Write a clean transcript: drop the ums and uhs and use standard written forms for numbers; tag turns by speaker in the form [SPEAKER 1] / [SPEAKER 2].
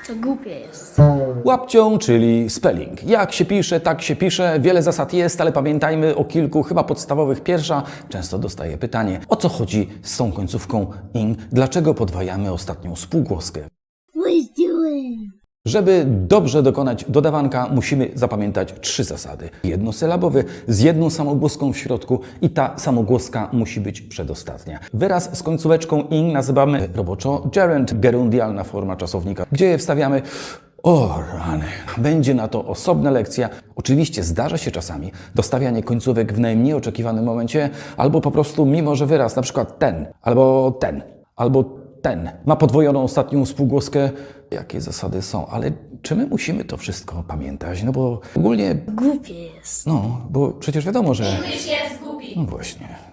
[SPEAKER 1] To głupie jest.
[SPEAKER 2] Łapcią, czyli spelling. Jak się pisze, tak się pisze. Wiele zasad jest, ale pamiętajmy o kilku chyba podstawowych. Pierwsza, często dostaję pytanie, o co chodzi z tą końcówką ing? Dlaczego podwajamy ostatnią spółgłoskę? Żeby dobrze dokonać dodawanka, musimy zapamiętać 3 zasady. Jednosylabowy z jedną samogłoską w środku i ta samogłoska musi być przedostatnia. Wyraz z końcóweczką ing nazywamy roboczo gerund, gerundialna forma czasownika, gdzie je wstawiamy. O rany, będzie na to osobna lekcja. Oczywiście zdarza się czasami dostawianie końcówek w najmniej oczekiwanym momencie, albo po prostu mimo, że wyraz, na przykład ten, albo ten, ma podwojoną ostatnią spółgłoskę. Jakie zasady są, ale czy my musimy to wszystko pamiętać? No bo ogólnie,
[SPEAKER 1] Głupie jest.
[SPEAKER 2] no, bo przecież wiadomo, że...
[SPEAKER 3] English jest głupi.
[SPEAKER 2] No właśnie.